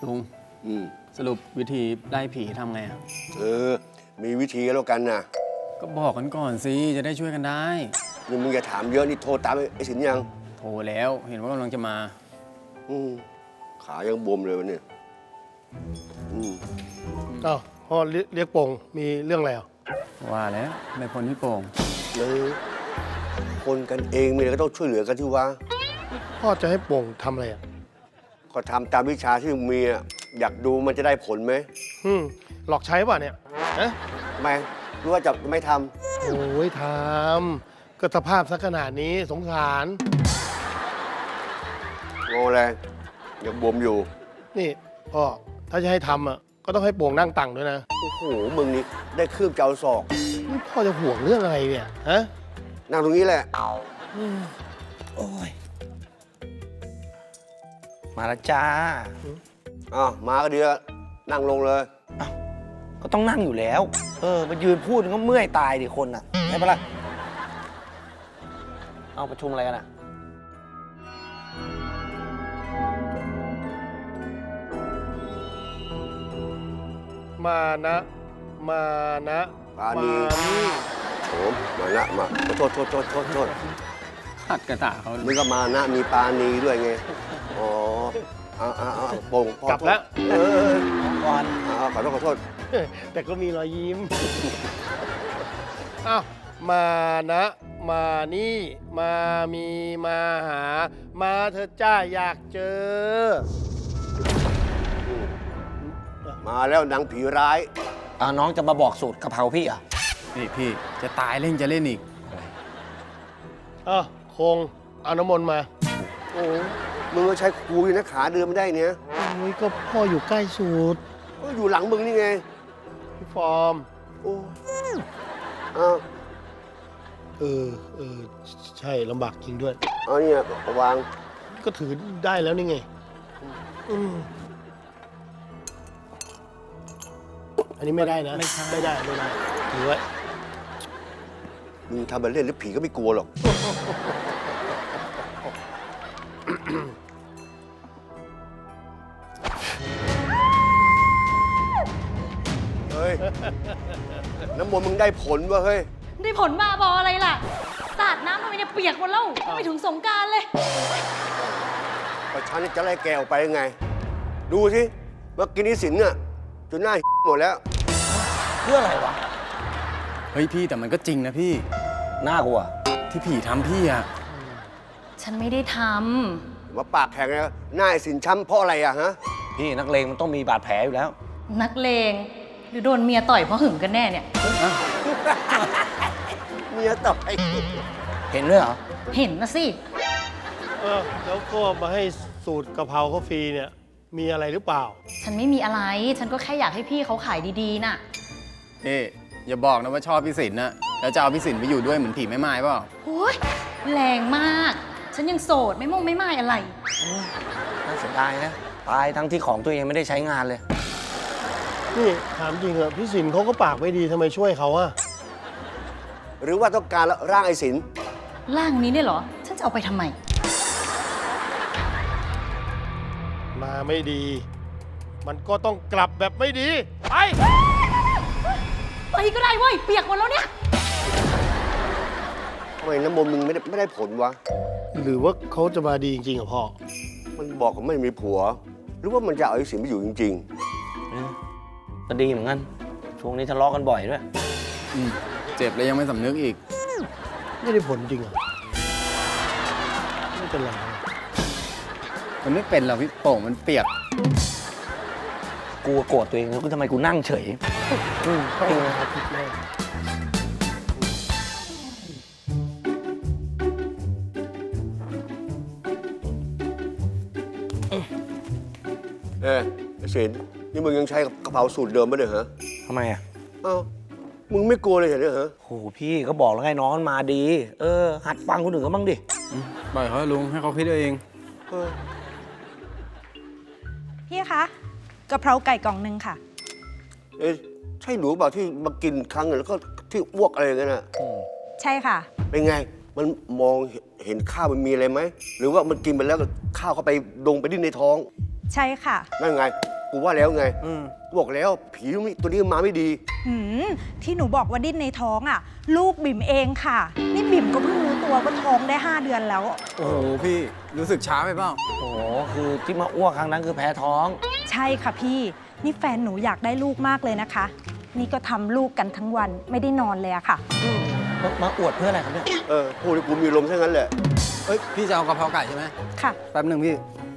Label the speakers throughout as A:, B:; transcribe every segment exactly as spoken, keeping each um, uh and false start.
A: ลุง
B: อืม
A: สรุปวิธีไล่ผีทำไงอ่ะ
B: เออ มีวิธีแล้วกันนะ
A: ก็บอกกันก่อนสิจะได้ช่วยกันได้
B: นี่มึงอย่าถามเยอะนี่โทรตามไอ้สินยัง
A: โทรแล้วเห็นว่ากำลังจะมา
B: อืมขายังบวมเลยวันนี้อืม
C: อ้าวพ่อเรียกเรียกโป่งมีเรื่องอะไรอ่ะ
A: ว่าแล้วไม่พ้นพี่โป่ง
B: เลยคนกันเองมีอะไรก็ต้องช่วยเหลือกันที่ว่า
C: พ่อจะให้โป่งทำอะไรอ่ะ
B: ก็ทำตามวิชาที่มึงมีอะอยากดูมันจะได้ผลไหม
C: อืมหลอกใช้ป่ะเนี่ยฮะ
B: ทำไมรู้ว่าจะไม่ท
C: โอ้ยทำก็สภาพสักขนาดนี้สงสาร
B: ำงออะไรยังบวมอยู่
C: นี่พ่อถ้าจะให้ทำอ่ะก็ต้องให้โป่งนั่งตังด้วยนะ
B: โอ้โหมึงนี่ได้คืบเจ้าศอก
C: นี่พ่อจะห่วงเรื่องอะไรเนี่ยฮะ
B: นั่งตรงนี้แหละ
D: โอ้ย มาแล้วจ้า
B: อ้าวมาก็ดีแล้วนั่งลงเลย
D: ก็ต้องนั่งอยู่แล้ว เออมายืนพูดก็เมื่อยตายดิคนอ่ะใช่ปะล่ะ เอาประชุมอะไรกันอ่ะ
C: มานะมานะ
B: ปานี
C: นี่
B: โอ้มานะมาโทษโทษโทษโทษโทษ
A: ขัดกระตาเขา
B: มึงก็มานะมีปานีด้วยไง อ๋อเอาเอาเอาโป่งพอก
C: ลับแล้ว
B: เออ
D: ก่อน
B: เอาเอาขอโทษขอโทษ
C: แต่ก็มีรอยยิ้ม อ้าว มานะ มานี่ มามีมาหา มาเธอจ้าอยากเจอ
B: มาแล้วหนังผีร้าย
D: อ่าน้องจะมาบอกสูตรกะเพราพี่อ่ะ
A: นี่พี่จะตายเล่นจะเล่นอีก
C: อ่ะคงเอาน้ำมนต์มา
B: โอ้มึงก็ใช้ครูอยู่นะขาเดินไม่ได้เนี่ย
C: โอ้ยก็พ่ออยู่ใกล้สุด
B: ก็อยู่หลังมึงนี่ไง
C: พี่ฟอร์ม
B: โอ้เอา
C: เออ เออ ใช่ลำบากจริงด้วย
B: เอาเนี่ยวาง
C: ก็ถือได้แล้วนี่ไงอืมอันนี้ไม่ได้นะ
A: ไม่ใช่
C: ไม่ได้ ไม่ได้ ถือไว้
B: มึงทำเป็นเล่นแล้วผีก็ไม่กลัวหรอก เฮ้ย น้ำมนต์มึงได้ผลวะเฮ้ย
E: ได้ผลมาบออะไรล่ะ สาดน้ำทำไมเนี่ยเปียกหมดแล้วไปถึงสงกรารเลย
B: ประชันจะไล่แกออกไปยังไง ดูสิเมื่อกี้นี้สินน่ะจนหน้าหมดแล้ว
D: เพื่ออะไรวะ
A: เฮ้ยพี่แต่มันก็จริงนะพี่
D: น่ากลัว
A: ที่ผีทำพี่อ่ะ
E: ฉันไม่ได้ท
B: มาปากแข็งนะหน้าไอ้สินช้ำเพราะอะไรอะฮะ
D: พี่นักเลงมันต้องมีบาดแผลอยู่แล้ว
E: ำนักเลงหรือโดนเมียต่อยเพราะหึงกันแน่เนี่ย
B: เมียต่อย
D: เห็นด้วยเหรอ
E: เห็นนะสิ
C: เออ แล้วก็มาให้สูตรกะเพราเขาฟรีเนี่ย มีอะไรหรือเปล่า
E: ฉันไม่มีอะไร ฉันก็แค่อยากให้พี่เขาขายดีๆน่ะ
A: นี่อย่าบอกนะว่าชอบพี่สินนะแล้วจะเอาพี่สินไปอยู่ด้วยเหมือนผีแม่ไม้เปล่า
E: โอ้ยแรงมาก ฉันยังโสดไม่มงไม่ไม่อะไร
D: น่าเสียดายนะ ตายทั้งที่ของตัวเองไม่ได้ใช้งานเลย
C: นี่ถามจริงเหรอพี่สินเขาก็ปากไม่ดีทำไมช่วยเขาอะ
B: หรือว่าต้องการร่างไอ้สิน
E: ร่างนี้เนี่ยเหรอ ฉันจะเอาไปทำไม
C: มาไม่ดี มันก็ต้องกลับแบบไม่ดี ไป
E: ไปก็ได้เว้ย เปียกหมดแล้วเนี่ย
B: ทำไมน้ำมนต์มึงไม่ได้ไม่ได้ผลวะ
C: หรือว่าเขาจะมาดีจริงๆเหรอพ่อ
B: มันบอกว่าไม่มีผัว หรือว่ามันจะเอาไอ้สินไปอยู่จริง
D: ก็ดีเหมือนกัน ช่วงนี้ทะเลาะกันบ่อยด้วย
A: อืมเจ็บแล้วยังไม่สำนึกอีก
C: ไม่ได้ผลจริงเหรอไม่เป็นไร
A: มันไม่เป็นหรอกพี่โป่งมันเปียก
D: กูโกรธตัวเองแล้วกูทำไมกูนั่งเฉย
C: อืมต้องเอาผิดแน่
B: ๆ เออไอ้สินนี่มึงยังใช้กระเพราสูตรเดิมไหมเนี่ยฮะ
D: ทำไมอ่ะ
B: เอ้ามึงไม่กลัวเลยเหรอเนี่ยฮะ
D: โหพี่ก็บอกแล้วไงน้องมันมาดี เออ หัดฟังคนอื่นก็บ้างดิ
A: อืมปล่อยเขาลุงให้เขาคิดเอาเอง
B: เออ
F: พี่คะกะเพราไก่กล่องหนึ่งค่ะ
B: เอ๊ะใช่หนูเปล่าที่มากินครั้งหนึ่งแล้วก็ที่อ้วกอะไรอย่างเงี้ยน่ะ
F: ใช่ค่ะ
B: เป็นไง มันมองเห็นข้าวมันมีอะไรไหม หรือว่ามันกินไปแล้วก็ข้าวเข้าไปดงไปดิ้นในท้อง
F: ใช่ค่ะ
B: นั่นไงกูว่าแล้วไง
D: อืม
B: กูบอกแล้วผีตัวนี้มาไม่ดี
F: หืมที่หนูบอกว่าดิ้นในท้องอ่ะ ลูกบิ่มเองค่ะ นี่บิ่มก็เพิ่งรู้ตัวว่าท้องได้ห้าเดือนแล้ว
A: โอ้โหพี่รู้สึกช้าไปเปล่า
D: โอ้โห คือที่มาอ้วกครั้งนั้นคือแพ้ท้อง
F: ใช่ค่ะพี่ นี่แฟนหนูอยากได้ลูกมากเลยนะคะ นี่ก็ทำลูกกันทั้งวันไม่ได้นอนเลยอะค่ะ
D: มามาอวดเพื่ออะไรครับเนี่ย
B: เออพูดให้กูมีลมซะงั้นแหละ
A: เอ้ยพี่จะเอากะเพราไก่ใช่ไหม
F: ค่ะ
A: แป๊บหนึ่งพี่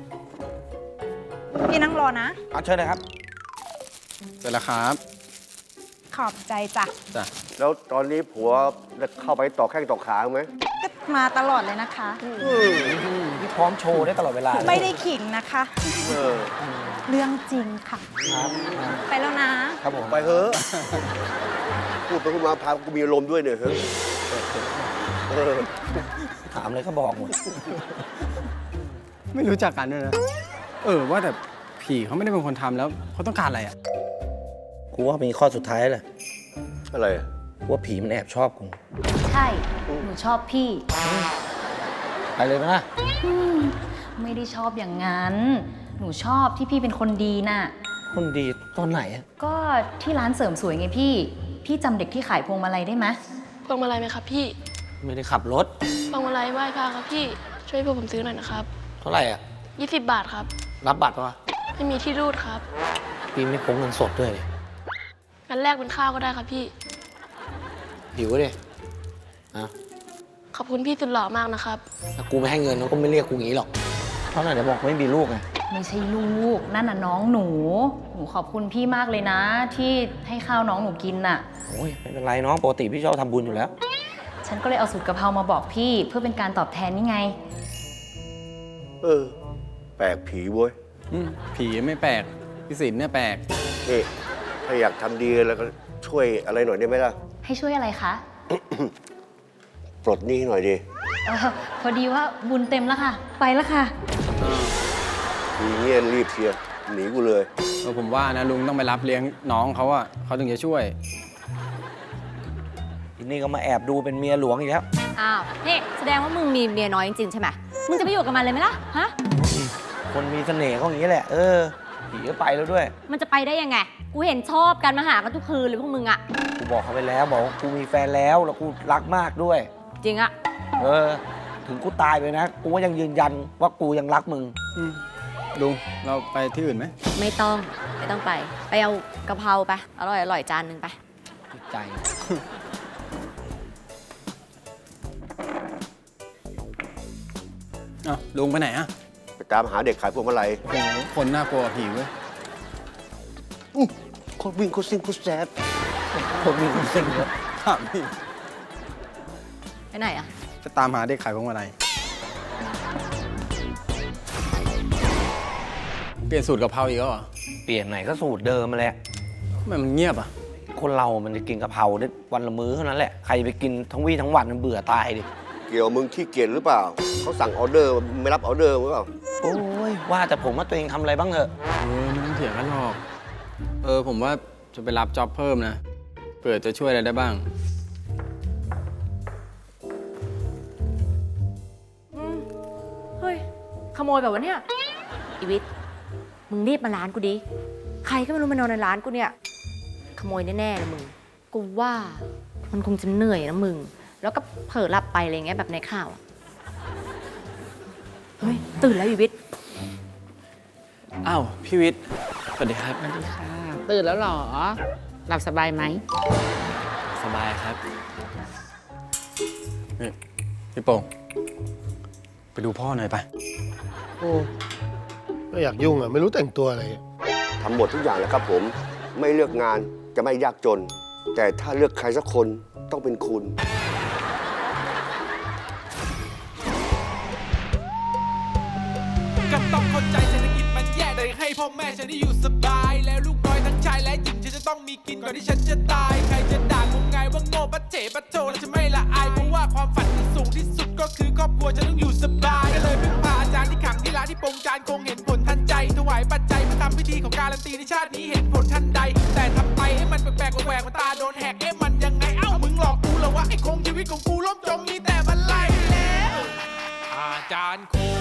F: พี่นั่งรอนะ
D: เอาเชิญเลยครับ
A: เสร็จแล้วครับ
F: ขอบใจจ้ะ
A: จ้ะ
B: แล้วตอนนี้ผัวได้เข้าไปต่อแข้งต่อขาไหม
F: ก็มาตลอดเลยนะคะ
D: นี่พร้อมโชว์ได้ตลอดเวลาเลย
F: ไม่ได้ขิงนะคะ
B: เออ
F: เรื่องจริงค่ะ
D: ครับ
F: ไปแล้วนะ
D: ครับผม
B: ไปเถอะพูดไปพูดมาพากูมีลมด้วยเนี่ยเฮ้ยเออ
D: ถามเลยก็บอกหมด
A: ไม่รู้จักกันด้วยนะ เออว่าแต่ผีเขาไม่ได้เป็นคนทำแล้วเขาต้องการอะไรอ่ะ
D: กูว่ามีข้อสุดท้ายแหละ
B: อะไรอะ
D: กูว่าผีมันแอบชอบกู
E: ใช่ หนูชอบพี่
D: ไปเลยไหมล่ะ
E: อืมไม่ได้ชอบอย่างนั้น หนูชอบที่พี่เป็นคนดีน่ะ
D: คนดีตอนไหนอะ
E: ก็ที่ร้านเสริมสวยไงพี่ พี่จำเด็กที่ขายพวงมาลัยได้ไหม
G: พวงมาลัยไหมครับพี่
D: ไม่ได้ขับรถ
G: พวงมาลัยไหว้พระครับพี่ ช่วยพวกผมซื้อหน่อยนะครับ
D: เท่าไหร่อ่ะ
G: ยี่สิบบาทครับ
D: รับบัตรปะวะ
G: ไม่มีที่รูดครับ
D: ปีไม่พกเงินสดด้วยเลย
G: งั้นแลกเป็นข้าวก็ได้ครับพี่
D: หิวดิอ่ะ
G: ขอบคุณพี่สุดหล่อมากนะครับ
D: ถ้ากูไม่ให้เงินเขาก็ไม่เรียกกูงี้หรอกเท่าไหร่เดี๋ยวบอกไม่มีลูกไง
E: ไม่ใช่ลูก นั่นน่ะน้องหนู หนูขอบคุณพี่มากเลยนะ ที่ให้ข้าวน้องหนูกินน่ะ
D: โอ้ยไม่เป็นไรน้องปกติพี่ชอบทำบุญอยู่แล้ว
E: ฉันก็เลยเอาสูตรกะเพรามาบอกพี่ เพื่อเป็นการตอบแทนนี่ไง
B: เออ แปลกผีเว้ย
A: อืมผีไม่แปลกพี่สินเนี่ยแปลก
B: นี่ถ้าอยากทำดีแล้วก็ช่วยอะไรหน่อยได้ไหมล่ะ
E: ให้ช่วยอะไรคะ
B: ปลดหนี้หน่อยดิ
E: เออพอดีว่าบุญเต็มแล้วค่ะ ไปแล้วค่ะ
B: มีเงี้ยรีบเชียร์หนีกูเลย
A: เออผมว่านะลุงต้องไปรับเลี้ยงน้องเขาอะเขาถึงจะช่วย
D: ทีนี้ก็มาแอบดูเป็นเมียหลวงอีกแล้ว
H: อ้าวนี่แสดงว่ามึงมีเมียน้อยจริงๆใช่ไหมมึงจะไปอยู่กับมันเลยไหมล่ะ ฮะ
D: คนมีเสน่ห์เขาอย่างนี้แหละ เออ ผีก็ไปแล้วด้วย
H: มันจะไปได้ยังไง กูเห็นชอบกันมาหากันทุกคืนเลยพวกมึงอะ
D: กูบอกเขาไปแล้วบอกว่ากูมีแฟนแล้วแล้วกูรักมากด้วย
H: จริงอะ
D: เออ ถึงกูตายไปนะ กูก็ยังยืนยันว่ากูยังรักมึง
A: ลุงเราไปที่อื่นไหม
H: ไม่ต้อง ไม่ต้องไป ไปเอากะเพราไป อร่อยอร่อยจานหนึ่งไป
D: ใจ
A: อ้าวลุงไปไหนอะ
B: ไปตามหาเด็กขายพวงมาลัย
A: โอ้โหคนน่ากลัวกว่าผีเว้ย
B: อื้อโคตรวิ่งโคตรซิ่งโคตรแซ่บ
D: คนมีคนสิ่งเยอะ
A: ถามพี่
H: ไปไหนอะ
A: จะตามหาเด็กขายพวงมาลัยเปลี่ยนสูตรกะเพราอีกแล้วเหรอ
D: เปลี่ยนไหนก็สูตรเดิมมาแหละ
A: ทำไมมันเงียบอะ
D: คนเรามันจะกินกะเพราได้วันละมื้อเท่านั้นแหละ ใครไปกินทั้งวี่ทั้งวันมันเบื่อตายดิ
B: เกี่ยวมึงขี้เกียจหรือเปล่า เขาสั่งออเดอร์ไม่รับออเดอร์หรือเปล่า
D: โอ้ย ว่าแต่ผมว่าตัวเองทำอะไรบ้างเถอะ
A: เออไม่ต้องเถียงกันหรอก เออผมว่าจะไปรับจ็อบเพิ่มนะเผื่อจะช่วยอะไรได้บ้าง
H: เฮ้ย ขโมยแบบวะเนี่ย อีวิทย์มึงรีบมาร้านกูดิ ใครก็ไม่รู้มานอนในร้านกูเนี่ย ขโมยแน่ๆเลยมึง กูว่ามันคงจะเหนื่อยนะมึง แล้วก็เผลอหลับไปอะไรเงี้ยแบบในข่าวอะเฮ้ย ตื่นแล้วอีวิทย์
A: อ้าวพี่วิทย์สวัสดีครับ
I: สวัสดีค่ะ ตื่นแล้วเหรอ หลับสบายไหม
A: สบายครับนี่พี่โป่งไปดูพ่อหน่อยไป
C: โอ้ไม่อยากยุ่งอะไม่รู้แต่งตัวอะไร
B: ทำหมดทุกอย่างแหละครับผม ไม่เลือกงานจะไม่ยากจน แต่ถ้าเลือกใครสักคนต้องเป็นคุณ
J: ก็ต้องเข้าใจเศรษฐกิจมันแย่แต่ให้พ่อแม่ฉันได้อยู่สบาย แล้วลูกน้อยทั้งชายและหญิงฉันจะต้องมีกินก่อนที่ฉันจะตาย ใครจะด่ากูไงว่าโง่ปะเจ๋ปะโจแล้วจะไม่ละอายเพราะว่าความฝันที่สูงที่สุดก็คือครอบครัวฉันต้องอยู่สบายก็เลยพึ่งพาอาจารย์ที่ขังที่ร้านที่ปรงจานคงเห็นผลทันใจถวายปัจจัยเพื่อทำพิธีของการันตีในชาตินี้เห็นผลทันใด แต่ทำไปให้มันแปลกๆแหวกๆมันตาโดนแหกเอ๊ะมันยังไงเอ้ามึงหลอกกูเหรอวะไอ้คงชีวิตของกูล่มจมมีแต่บันไลแล้วอาจารย์คง